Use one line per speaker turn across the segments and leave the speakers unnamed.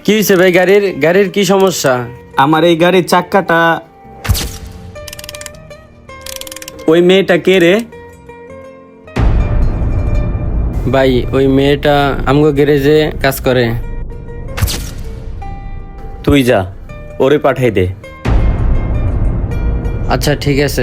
কি হয়েছে ভাই? গাড়ির কি সমস্যা?
আমার এই গাড়ির চাক্কাটা। ওই মেয়েটা কে রে?
ভাই ওই মেয়েটা আমগো গ্যারেজে কাজ করে।
তুই যা, ওরে পাঠাই দে।
আচ্ছা ঠিক আছে।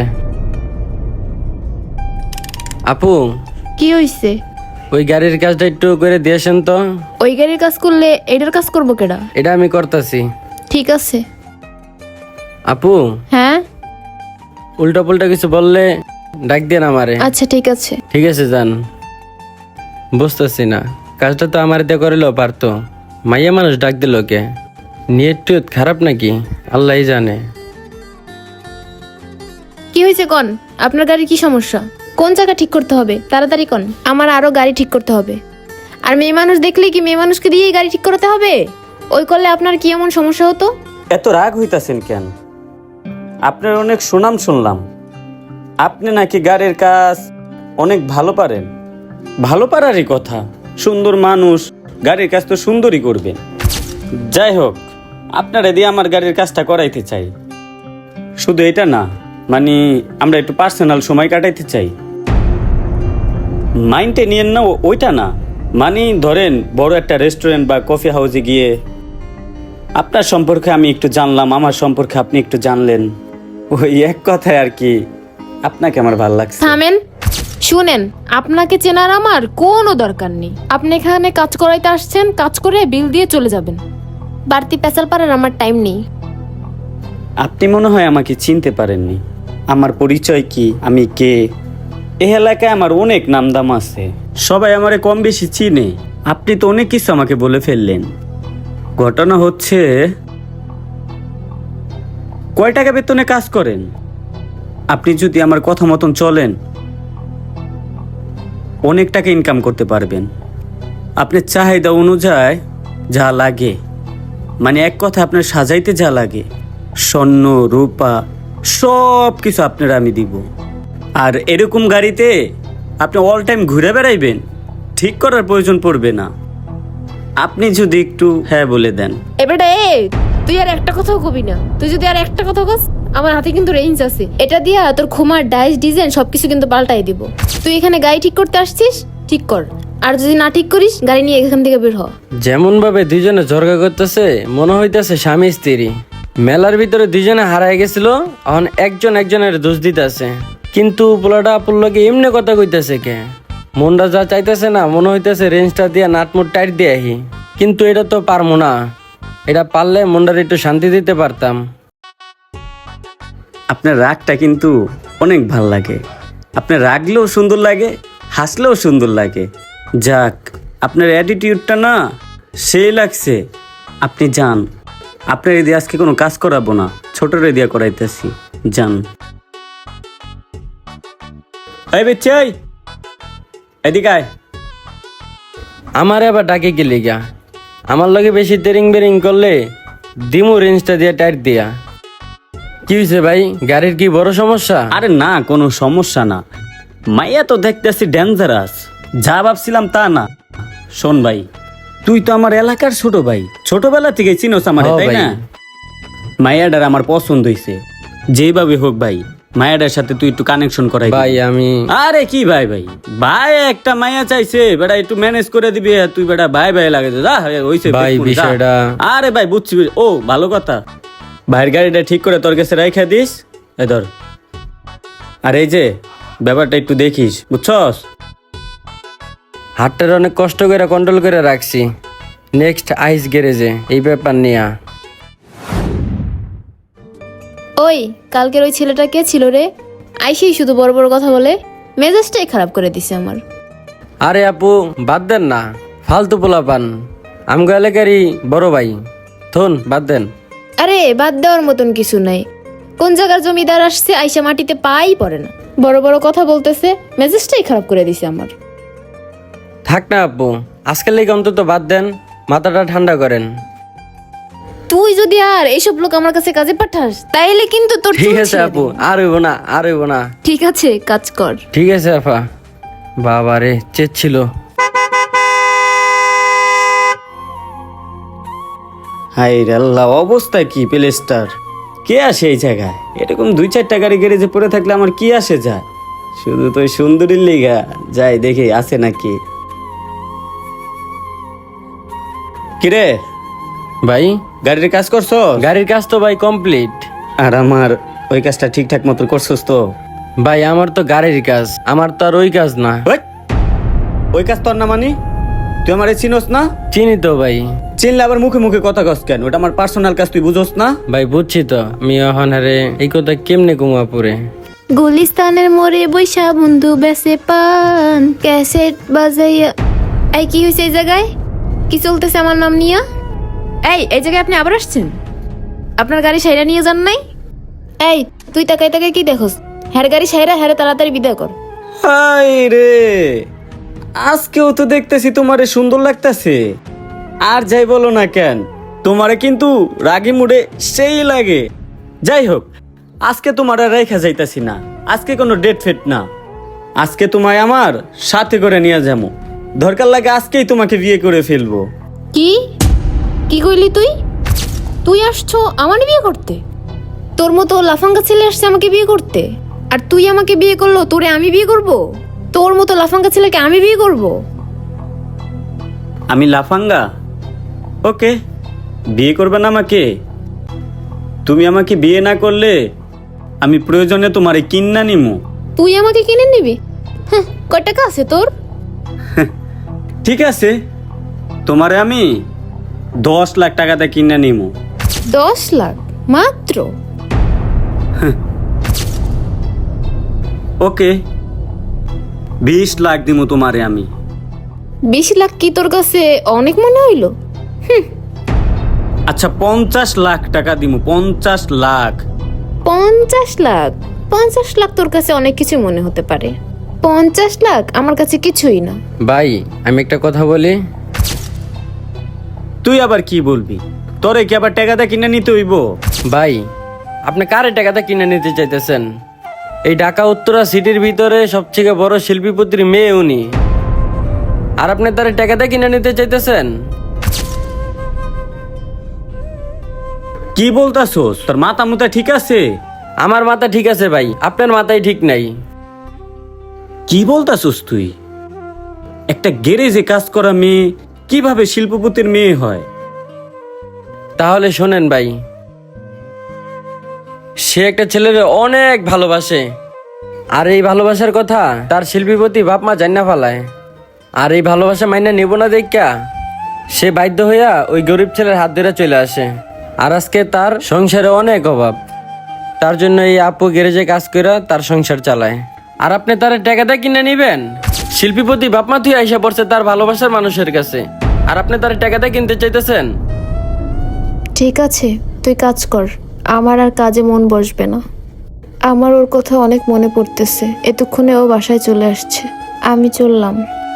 আপু,
কি হইছে?
ওই গাড়ির কাজটা একটু করে দিয়েছেন তো।
ওই গাড়ির কাজ করলে এটার কাজ করবো কেডা?
এটা আমি করতেছি।
ঠিক আছে।
আপু,
হ্যাঁ
উল্টা পুল্টা কিছু বললে ডাক দিয়ে না আমারে।
আচ্ছা ঠিক আছে।
ঠিক আছে যান। বুঝতেছি না, কাজটা তো আমার দিয়ে করিলেও পারতো, মাইয়া মানুষ ডাক দিল কে? নেট টেট খারাপ নাকি আল্লাহই জানে।
কি হয়েছে কোন? আপনার গাড়ির কি সমস্যা? কোন জায়গা ঠিক করতে হবে তাড়াতাড়ি কোন। আমার আরো গাড়ি ঠিক করতে হবে। আর মেয়ে মানুষ দেখলে কি মেয়ে মানুষকে দিয়েই গাড়ি ঠিক করতে হবে? ওই করলে আপনার কি এমন সমস্যা হতো?
এত রাগ হইতাছেন কেন? আপনার অনেক সুনাম শুনলাম, আপনি নাকি গাড়ির কাজ অনেক ভালো পারেন। ভালো পারারই কথা, সুন্দর মানুষ গাড়ির কাজ তো সুন্দরই করবে। যাই হোক, আপনারা দিয়ে আমার গাড়ির কাজটা করাইতে চাই। শুধু এটা না, মানে আমরা একটু পার্সোনাল সময় কাটাইতে চাই। মাইন্ডে নিয়েন না, ওইটা না, মানে ধরেন বড় একটা রেস্টুরেন্ট বা কফি হাউসে গিয়ে আপনার সম্পর্কে আমি একটু জানলাম, আমার সম্পর্কে আপনি একটু জানলেন। ওই এক কথায় আর কি, আপনাকে আমার ভালো লাগছে।
থামেন, শুনেন, আপনাকে চেনার আমার কোনো দরকার নেই। আপনি এখানে কাজ করাইতে আসছেন, কাজ করে বিল দিয়ে চলে যাবেন। বাড়তি পেঁচাল পারার আমার টাইম নেই।
আপনি মনে হয় আমাকে চিনতে পারেননি। আমার পরিচয় কি, আমি কে? এই এলাকায় আমার অনেক নামদাম আছে, সবাই আমারে কম বেশি চিনে। আপনি তো অনেক কিছু আমাকে বলে ফেললেন। ঘটনা হচ্ছে, কয় টাকা বেতনে কাজ করেন? আপনি যদি আমার কথা মতন চলেন অনেক টাকা ইনকাম করতে পারবেন। আপনার চাহিদা অনুযায়ী যা লাগে, মানে এক কথা আপনার সাজাইতে যা লাগে, স্বর্ণ রূপা সব কিছু আপনারা আমি দিব। আর এরকম গাড়িতে আপনি অল টাইম ঘুরে বেড়াইবেন, ঠিক করার প্রয়োজন পড়বে না। আপনি যদি একটু হ্যাঁ বলে দেন।
এবারে তুই আর একটা কথাও কবি না। তুই যদি আর একটা কথা কস, আমার হাতে কিন্তু রেঞ্জ আছে। এটা দিয়া তোর খোমার ডাইস ডিজাইন সবকিছু কিন্তু পাল্টাই দিব। তুই এখানে গাড়ি ঠিক করতে আসছিস, ঠিক কর। আর যদি না ঠিক করিস, গাড়ি নিয়ে এখান থেকে বের হ।
যেমন ভাবে দুইজনে ঝরগা করতেছে, মনে হইতেছে স্বামী স্ত্রী। মেলার ভিতরে দুইজনে হারায় গেছিল, এখন একজন একজনের দোষ দিতেছে। কিন্তু পোলাটা আপুল্লকে এমনি কথা কইতেছে কে? মনটা যা চাইতেছে না, মনে হইতেছে রেঞ্জটা দিয়ে নাটমুট টাইট দিয়ে আহি। কিন্তু এটা তো পারবো না। এটা পারলে মনটার একটু শান্তি দিতে পারতাম।
আপনার রাগটা কিন্তু অনেক ভাল লাগে। আপনার রাগলেও সুন্দর লাগে, হাসলেও সুন্দর লাগে। যাক, আপনার অ্যাটিটিউডটা না সেই লাগছে। আপনি যান, আপনার এদিকে আজকে কোনো কাজ করাবো না, ছোটর এদিকে করাইতেছি। যান। এই বেচাই, এদিকে আয়।
আমার আবার ডাকে কি লিগা? আমার লগে বেশি তেরিং বেরিং করলে দিমু রেঞ্জটা দিয়ে টাইট দিয়া। কি হয়েছে ভাই? গাড়ির কি বড় সমস্যা?
আরে না, কোনো সমস্যা না। মাইয়া তো দেখতেছি ডেঞ্জারাস, যা ভাবছিলাম তা না। শোন ভাই, তুই তো আমার এলাকার ছোট ভাই, ছোটবেলা থেকে চিনোস আমারে,
হ্যাঁ
তাই
ভাই।
না? মায়াডার আমার পছন্দ হইছে, যেভাবে হোক ভাই মায়াডার সাথে তুই একটু কানেকশন করাই
ভাই আমি
আরে কি ভাই ভাই ভাই একটা মায়া চাইছে, বেটা একটু ম্যানেজ করে দিবি। তুই বেটা ভাই ভাই লাগে যা হইছে
ভাই
দেখুন, যা।
বিষয়টা
আরে ভাই বুঝছি। ও ভালো কথা, ভাইয়ের গাড়িটা ঠিক করে তোর কাছে রাইখা দিস। এ ধর। আর এই যে ব্যাপারটা একটু দেখিস, বুঝছস?
হাতটার অনেক কষ্ট করে কন্ট্রোল করে রাখছি। নেক্সট আইস গ্যারেজে এই ব্যাপার নিয়ে।
ওই কালকের ওই ছেলেটা কে ছিল রে? আইসেই শুধু বড় বড় কথা বলে, মেজাজটাই খারাপ করে দিছে আমার।
আরে আপু বাদ দেন না, ফালতু পোলা পান। আমগো এলাকারই বড় ভাই, থুন বাদ দেন।
আরে বাদ দেওয়ার মতন কিছু নাই। কোন জায়গার জমিদার আসছে, আইসা মাটিতে পাই পড়ে না, বড় বড় কথা বলতেছে, মেজাজটাই খারাপ করে দিছে আমার।
থাক না আপু, আজকের লেগে অন্তত বাদ দেন, মাথাটা ঠান্ডা করেন।
তুই যদি আর এইসব লোক আমার কাছে কাজে পাঠাস, তাইলে কিন্তু তোর
ঠিক
চুল
আছে
ছিঁড়ে
আপু,
দিব।
আর হইব না, আর হইব না।
ঠিক আছে, কাজ কর।
ঠিক আছে আপা। বাবা রে, চেচ্ছিল।
হাই রে আল্লাহ, অবস্থা কি প্লেসটার? কে আসে এই জায়গায়? এরকম 2-4টা গাড়ি গ্যারেজে পড়ে থাকলে আমার কি আসে যায়? শুধু তো ওই সুন্দরীর লিগা যাই দেখি আছে নাকি। কিরে,
ভাই
গাড়ির কাজ করছো?
গাড়ির কাজ তো ভাই কমপ্লিট।
আর আমার ওই কাজটা ঠিকঠাক মতো করছস তো?
ভাই আমার তো গাড়ির কাজ, আমার তো আর ওই কাজ না।
ওই, ওই কাজ তোর না মানে? তুই আমারে চিনোস না?
চিনি তো ভাই।
চিনলে আবার মুখে মুখে কথা কস কেন? ওটা আমার পার্সোনাল কাজ, তুই বুঝোস না?
ভাই বুঝছি তো, আমি এখন আরে এই কথা কেমনে কুমাপুরে।
গুলিস্তানের মোড়ে বৈশা বন্ধু বেসে পান ক্যাসেট বাজাইয়া। এই কি হয়েছে এই জায়গায়? কি চলতেছে আমার নাম নিয়া? এই জায়গায় আপনি আবার আসছেন? আপনার গাড়ি সাইরা নিয়ে যান নাই? এই তুই তাকাই তাকাই কি দেখোস? হ্যার গাড়ি সাইরা হ্যারে তাড়াতাড়ি বিদায় কর।
হাই রে, আজকেও তো দেখতেছি তোমারে সুন্দর লাগতেছে। আর যাই বলো না কেন, তোমারে কিন্তু রাগি মুডে সেই লাগে। যাই হোক, আজকে তোমার আর রেখা যাইতাছি না। আজকে কোনো ডেট ফেট না, আজকে তোমায় আমার সাথে করে নিয়ে যাবো। দরকার লাগে আজকেই তোমাকে বিয়ে করে ফেলবো।
কি কি কইলি তুই? তুই আসছো আমার বিয়ে করতে? তোর মতো লাফাঙ্গা ছেলে আসছে আমাকে বিয়ে করতে, আর তুই আমাকে বিয়ে করলো তোরে আমি বিয়ে করব? তোর মতো লাফাঙ্গা ছেলেকে আমি বিয়ে করব?
আমি লাফাঙ্গা? ওকে, বিয়ে করবে না আমাকে? তুমি আমাকে বিয়ে না করলে আমি প্রয়োজনে তোমারে কিন্না নিমু।
তুই আমাকে কিনে নিবি? হ্যাঁ, কয় টাকা আছে তোর?
ঠিক আছে, তোমারে আমি 10 লাখ টাকাতে কিনে নিমু।
10 লাখ মাত্র?
ওকে, 20 লাখ দিমু তোমারে আমি।
20 লাখ কি তোর কাছে অনেক মনে হইলো?
আচ্ছা 50 লাখ টাকা দিমু, 50 লাখ।
50 লাখ? 50 লাখ তোর কাছে অনেক কিছু মনে হতে পারে, 50 লাখ আমার কাছে কিছুই না।
ভাই আমি একটা কথা বলি।
তুই আবার কি বলবি? তোরে কি আবার টাকাটা কিনে নিতে হইব?
ভাই আপনি কারে টাকাটা কিনে নিতে চাইতেছেন? এই ঢাকা উত্তরা সিটির ভিতরে সবথেকে বড় শিল্পীপতির মেয়ে উনি, আর আপনি তার টাকাটা কিনে নিতে চাইতেছেন?
কি বলতাছোস? তোর মাথা মুথা ঠিক আছে?
আমার মাথা ঠিক আছে ভাই, আপনার মাথায় ঠিক নাই।
কি বলতাছোস তুই? একটা গ্যারেজে কাজ করা মেয়ে কিভাবে শিল্পপতির মেয়ে হয়?
তাহলে শোনেন ভাই, সে একটা ছেলের অনেক ভালোবাসে, আর এই ভালোবাসার কথা তার শিল্পীপতি বাপ মা জান্না ফেলায়। আর এই ভালোবাসা মাইনা নেব না দেখা সে বাধ্য হইয়া ওই গরিব ছেলের হাত ধরে চলে আসে। আর আজকে তার সংসারে অনেক অভাব, তার জন্য এই আপু গ্যারেজে কাজ করে তার সংসার চালায়। আর আপনি তার টাকাটা কিনে নিবেন? শিল্পীপতি বাপ মা তুই আইসা পড়ছে তার ভালোবাসার মানুষের কাছে, আর আপনি তার টাকাটা কিনতে চাইতেছেন?
ঠিক আছে, তুই কাজ কর, আমার আর কাজে মন বসবে না। আমার ওর কথা অনেক মনে পড়তেছে, এতক্ষণে ও বাসায় চলে আসছে, আমি চললাম।